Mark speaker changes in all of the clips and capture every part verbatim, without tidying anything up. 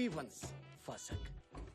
Speaker 1: Only once ఫసక్.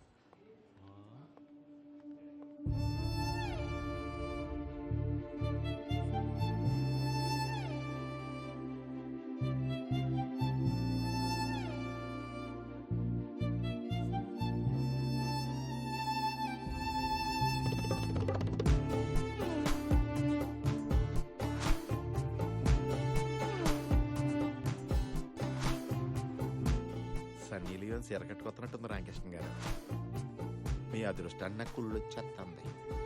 Speaker 2: Sunny Leone ఎరగట్టుకొస్తున్నట్టుంది రామకృష్ణ గారు. మీ అదృష్టాన్ని నాకు కుళ్ళు వచ్చేస్తుంది.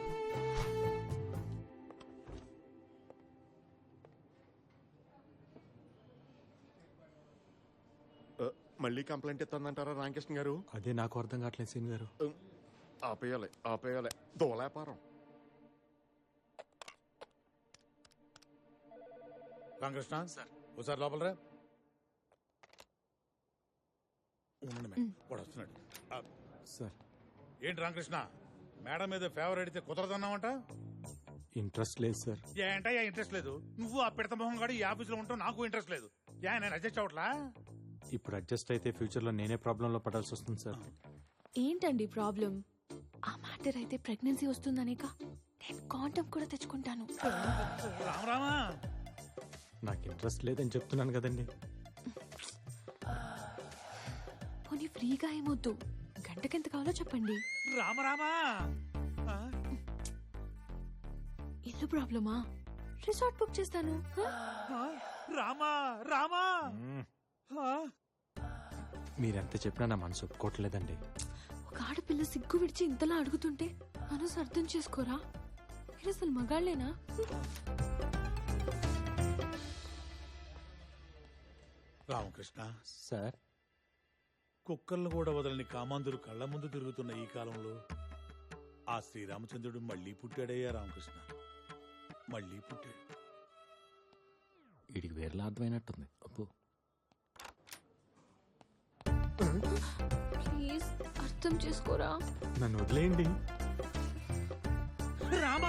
Speaker 2: మళ్ళీ కంప్లైంట్ ఇస్తుందంటారా రామకృష్ణ గారు?
Speaker 3: అదే నాకు అర్థం కావట్లేదు సీన్ గారు.
Speaker 2: ఆపేయాలి ఆపేయాలి దోలాపారం.
Speaker 4: రామకృష్ణ సార్ ఒకసారి లోపల రా. ఉండండి మేడం, వాడు వస్తున్నాడు. ఆ,
Speaker 3: సార్
Speaker 4: ఏంటి రామకృష్ణ, మేడం మీద ఫేవర్ అడిగితే కుదరదన్నావంట?
Speaker 3: ఇంట్రెస్ట్ లేదు సార్.
Speaker 4: ఏంటయ్యా ఇంట్రెస్ట్ లేదు? నువ్వు ఆ పిడత మొహం గాడు ఈ ఆఫీసులో ఉంటావు, నాకు ఇంట్రెస్ట్ లేదు. ఏ నేను అడ్జస్ట్ అవట్లా?
Speaker 3: ఇప్పుడు అడ్జస్ట్ అయితే ఫ్యూచర్ లో నేనే ప్రాబ్లం లో పడాల్సి వస్తుంది సార్.
Speaker 5: ఏంటండి ప్రాబ్లం? ఆ మ్యాటర్ అయితే ప్రెగ్నెన్సీ వస్తుందనేక నేను కాంటమ్ కూడా తెచ్చుకుంటాను.
Speaker 4: రామరామా,
Speaker 3: నాకు ఇంట్రెస్ట్ లేదని చెప్తున్నాను కదండి.
Speaker 5: పోనీ ఫ్రీగా ఏమొద్దు, గంటకెంత కావాలో చెప్పండి.
Speaker 4: రామరామా,
Speaker 5: ఇల్లు ప్రాబ్లమా? రిసార్ట్ బుక్ చేస్తాను. హ?
Speaker 4: రామా రామా.
Speaker 3: మీరెంత చెప్పినా నా మనసు ఒప్పుకోవట్లేదండి.
Speaker 5: ఒక ఆడపిల్ల సిగ్గు విడిచి ఇంతలా అడుగుతుంటే మనసు అర్థం చేసుకోరా? మీరు అసలు మగాళ్ళేనా?
Speaker 4: రామకృష్ణ
Speaker 3: సార్,
Speaker 4: కుక్కలను కూడా వదలని కామాంధుడు కళ్ళ ముందు తిరుగుతున్న ఈ కాలంలో ఆ శ్రీరామచంద్రుడు మళ్లీ పుట్టాడయ్యా. రామకృష్ణ మళ్లీ పుట్టాడు.
Speaker 3: వీడికి వేరేలా అర్థమైనట్టుంది. అప్పు
Speaker 5: ప్లీజ్ అర్థం చేసుకోరా.
Speaker 3: నన్ను వదిలేయండి.
Speaker 4: రామా,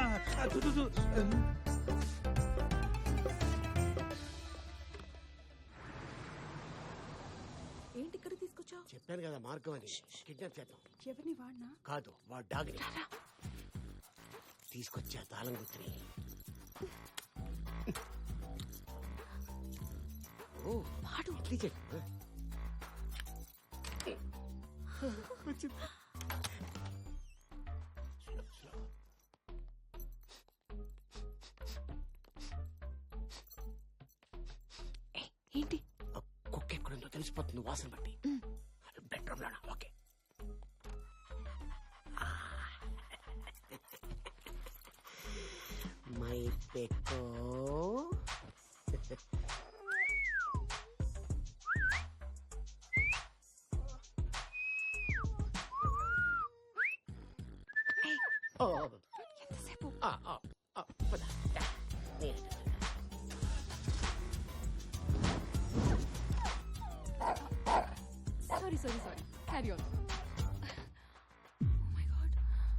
Speaker 6: ఏంటి ఇక్కడ తీసుకొచ్చావు?
Speaker 1: చెప్పాను కదా మార్గం అని. కిడ్నాప్ చేద్దాం.
Speaker 6: ఎవరిని వాడినా?
Speaker 1: కాదు వాడు డాగ్ని తీసుకొచ్చా తాళం గుర్తుని. ఓ
Speaker 5: వాడు
Speaker 1: ఇడ్లీ చెప్పు.
Speaker 5: ఏయ్, ఏంటి?
Speaker 1: కుక్క ఎక్కడుందో తెలిసిపోతుంది వాసన బట్టి. బెడ్రూమ్ లోనా? ఓకే. మై పెక్కో
Speaker 5: ఎంతసేపు? Sorry sorry sorry carry on. My god,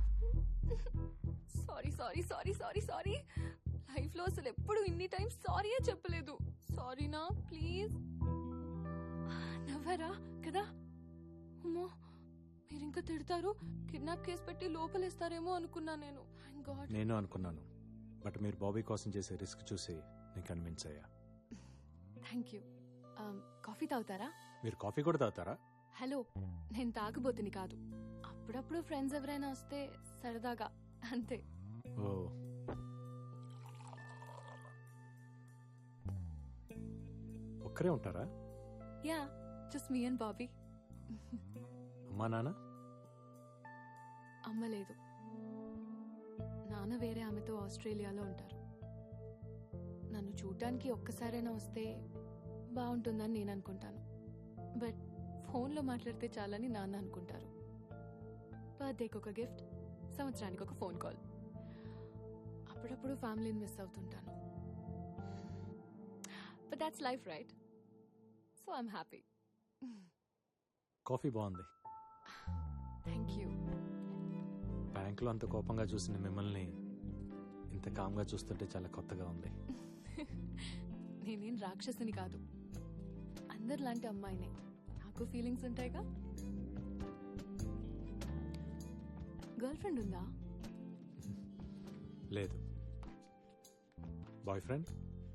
Speaker 5: sorry sorry sorry sorry sorry. Life లో అసలు ఎప్పుడు ఇన్ని టైం సారీయే చెప్పలేదు. సారీనా ప్లీజ్. నవ్వరా కదా? అమ్మో, మీరు ఇంకా తిడతారు, కిడ్నాప్ కేసు పెట్టి లోపలేస్తారేమో అనుకున్నా నేను. Thank God.
Speaker 3: నేను అనుకున్నాను, బట్ మీరు బాబీ కోసం చేసే రిస్క్ చూసి నేను కన్విన్స్ అయ్యా.
Speaker 5: Thank you. కాఫీ తాగుతారా?
Speaker 3: మీరు కాఫీ కూడా తాగుతారా?
Speaker 5: హలో, నేను తాగబోతుని కాదు. అప్పుడప్పుడు ఫ్రెండ్స్ ఎవరైనా వస్తే సరదాగా, అంతే.
Speaker 3: ఓ, ఒక్కరే ఉంటారా?
Speaker 5: Yeah, just me and Bobby.
Speaker 3: అమ్మా నాన్న?
Speaker 5: అమ్మ లేదు, నాన్న వేరే ఆమెతో ఆస్ట్రేలియాలో ఉంటారు. నన్ను చూడ్డానికి ఒక్కసారైనా వస్తే బాగుంటుందని నేను అనుకుంటాను, బట్ ఫోన్లో మాట్లాడితే చాలని నాన్న అనుకుంటారు. బర్త్డేకి ఒక గిఫ్ట్, సంవత్సరానికి ఒక ఫోన్ కాల్. అప్పుడప్పుడు ఫ్యామిలీని మిస్ అవుతుంటాను. But that's life right, so I'm happy.
Speaker 3: Coffee బాగుంది.
Speaker 5: Thank you.
Speaker 3: బ్యాంకులో అంత కోపంగా చూసిన మిమ్మల్ని ఇంత కామ్గా చూస్తుంటే చాలా కొత్తగా ఉంది.
Speaker 5: నేనేం రాక్షసుని కాదు, అందరిలాంటి అమ్మాయినే. నా నాకు ఫీలింగ్స్ ఉంటాయిగా. గర్ల్ ఫ్రెండ్ ఉందా?
Speaker 3: లేదు. Boy friend?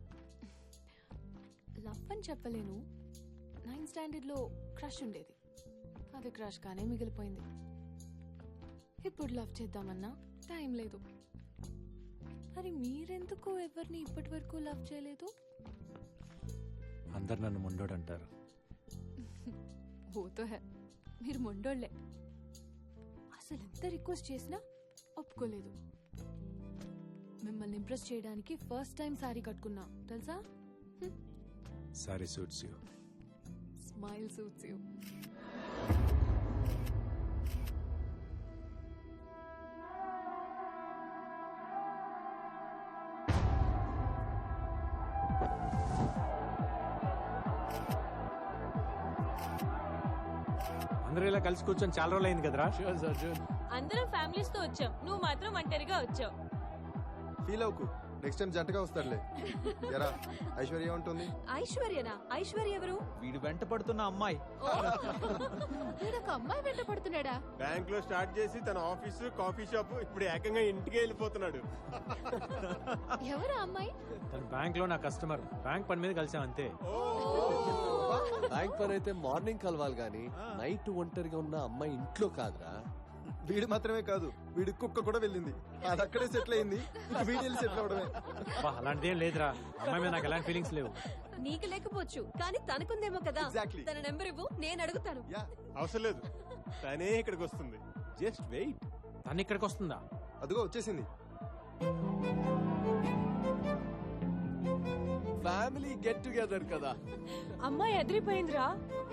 Speaker 5: లవ్ అని చెప్పలేను. నైన్త్ స్టాండర్డ్ లో క్రష్ ఉండేది, అది క్రష్ గానే మిగిలిపోయింది. ఇప్పుడు లవ్ చేద్దామన్నా టైం లేదు. మరి మీరెందుకు ఎవరిని ఇప్పటి వరకు లవ్ చేయలేదు?
Speaker 3: అందరు నన్ను ముండోడు అంటారు.
Speaker 5: ఓతో హే, మీరు మొండోళ్లే. అసలు ఎంత రిక్వెస్ట్ చేసినా ఒప్పుకోలేదు. మిమ్మల్ని ఇంప్రెస్ చేయడానికి ఫస్ట్ టైం సారీ కట్టుకున్నా తెలుసా?
Speaker 3: Sari suits you.
Speaker 5: Smile suits you.
Speaker 3: అందరూ ఇలా కలిసి కూర్చొని చాలా రోజులు అయింది కదరా.
Speaker 7: అందరం ఫ్యామిలీస్ తో వచ్చాం, నువ్వు మాత్రం ఒంటరిగా వచ్చావు.
Speaker 8: ఫీల్ అవుకు, నెక్స్ట్ టైం జంటగా వస్తాడులే. ఎరా ఐశ్వర్య ఉంటుంది.
Speaker 6: ఐశ్వర్యనా? ఐశ్వర్య ఎవరు?
Speaker 9: వీడు వెంట పడుతున్న అమ్మాయి.
Speaker 5: వీడొక అమ్మాయి వెంట పడుతున్నాడా?
Speaker 10: బ్యాంక్ లో స్టార్ట్ చేసి తన ఆఫీసు కాఫీ షాప్ ఇప్పుడు ఏకంగా ఇంటికి వెళ్ళిపోతున్నాడు.
Speaker 5: ఎవరు అమ్మాయి?
Speaker 3: తన బ్యాంక్ లో నా కస్టమర్. బ్యాంక్ పని మీద కలిసాం అంతే.
Speaker 1: బ్యాంక్ పని అయితే మార్నింగ్ కలవాలి గానీ నైట్ ఒంటరిగా ఉన్న అమ్మాయి ఇంట్లో కాదురా.
Speaker 8: వీడు మాత్రమే కాదు, వీడి కుక్క కూడా వెళ్ళింది. అది అక్కడే సెటిల్ అయింది, వీడి సెటిల్ అవడమే.
Speaker 3: అబ్బా, అలాంటిదేం లేదురా. అమ్మాయి మీద నాకు ఎలాంటి ఫీలింగ్స్ లేవు.
Speaker 6: నీకు లేకపోవచ్చు కానీ తనకుందేమో కదా.
Speaker 8: Exactly.
Speaker 6: తన నెంబర్ ఇవ్వు, నేను అడుగుతాను.
Speaker 8: యా,
Speaker 10: అవసరం లేదు, తనే ఇక్కడికి వస్తుంది.
Speaker 1: Just wait.
Speaker 3: తను ఇక్కడికి వస్తుందా?
Speaker 8: అదిగో వచ్చేసింది.
Speaker 1: ఫ్యామిలీ గెట్ టుగెదర్ కదా.
Speaker 7: అమ్మాయి ఎదిరిపోయిందిరా.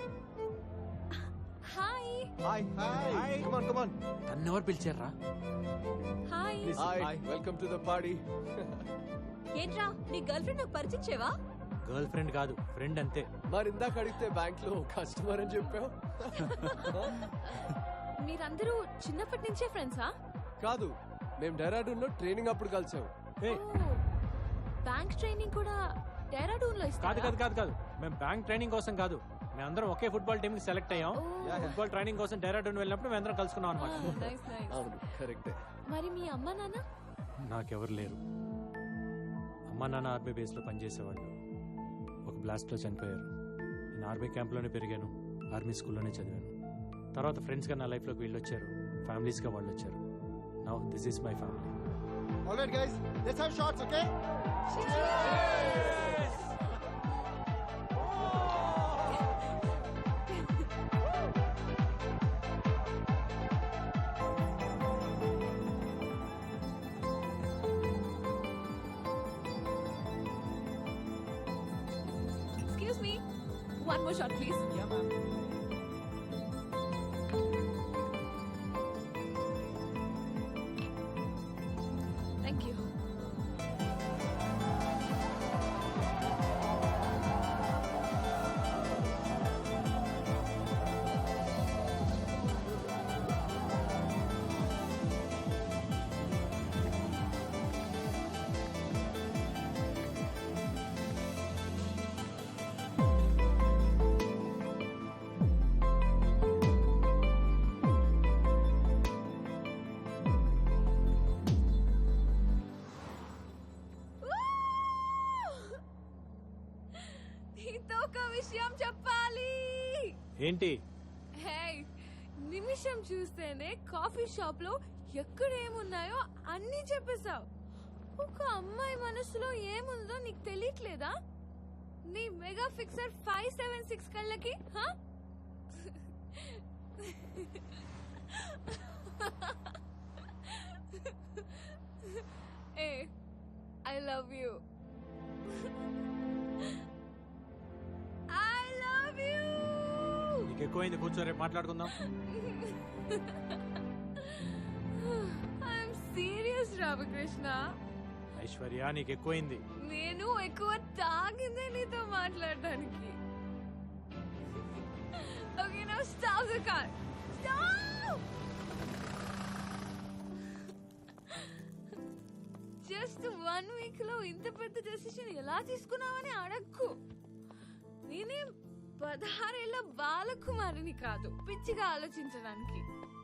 Speaker 6: Hi
Speaker 8: hi hi, come on come on.
Speaker 3: తను ఎవరు పిలిచారా?
Speaker 6: Hi.
Speaker 1: Hi, welcome to the party.
Speaker 6: ఏంట్రా నీ గర్ల్ ఫ్రెండ్ నాకు పరిచయం చేయవా?
Speaker 3: గర్ల్ ఫ్రెండ్ కాదు, ఫ్రెండ్ అంతే.
Speaker 1: మరి ఇందాక అడిగితే బ్యాంక్ లో కస్టమర్ అని చెప్పావు.
Speaker 6: మీరందరూ చిన్నప్పటి నుంచే ఫ్రెండ్సా?
Speaker 1: కాదు, మేము డెరాడూన్ లో ట్రైనింగ్ అప్పుడు కలిసాం.
Speaker 3: ఏయ్,
Speaker 6: బ్యాంక్ ట్రైనింగ్ కూడా డెహ్రాడూన్ లో
Speaker 3: కాదు
Speaker 6: ఇస్తారా?
Speaker 3: కాదు కాదు కాదు మేము బ్యాంక్ ట్రైనింగ్ కోసం కాదు. మేమందరం ఒకే ఫుట్బాల్ టీమ్ కి సెలెక్ట్ అయ్యాం. ఫుట్బాల్ ట్రైనింగ్ కోసం డెరాడూన్ వెళ్ళినప్పుడు మేమందరం కలుసుకున్నాం అనమాట.
Speaker 6: Nice nice.
Speaker 1: అవును, కరెక్టే.
Speaker 6: మరి మీ అమ్మ నాన్న?
Speaker 3: నాకెవరు లేరు. అమ్మా నాన్న ఆర్మీ బేస్ లో పనిచేసేవాళ్ళు. ఒక బ్లాస్ట్ లో చనిపోయారు. నేను ఆర్మీ క్యాంప్ లోనే పెరిగాను, ఆర్మీ స్కూల్లోనే చదివాను. తర్వాత ఫ్రెండ్స్ గా నా లైఫ్ లోకి వీళ్ళు వచ్చారు, ఫ్యామిలీస్ గా వాళ్ళు వచ్చారు. Now this is my family.
Speaker 8: All right guys, let's have shots, okay?
Speaker 5: Excuse me, one more shot please.
Speaker 9: Yeah, ma'am.
Speaker 5: Thank you. నీతో ఒక విషయం చెప్పాలి.
Speaker 3: ఏంటి?
Speaker 5: హే, నిమిషం చూస్తేనే కాఫీ షాప్ లో ఎక్కడ ఏమున్నాయో అన్నీ చెప్పేశావు. ఒక అమ్మాయి మనసులో ఏముందో నీకు తెలియట్లేదా? నీ mega fixer five seven six కళ్ళకి హా? ఏ, I love you. I love you.
Speaker 3: నీకు ఎక్కువైంది, కూర్చో, రేపు మాట్లాడుకుందాం.
Speaker 5: I'm serious Ramakrishna.
Speaker 3: ఐశ్వర్య, నీకు ఎక్కువైంది.
Speaker 5: నేను ఎక్కువ తాగిందే నీతో మాట్లాడడానికి. Okay, now stop the car. Stop. Just one week లో ఇంత పెద్ద డెసిషన్ ఎలా తీసుకున్నావని అడక్కు. నేనేం పదహారేళ్ల బాలకుమారిని కాదు పిచ్చిగా ఆలోచించడానికి.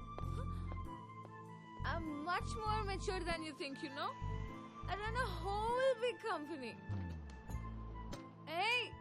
Speaker 5: I'm much more mature than you think, you know? I run a whole big company. Hey!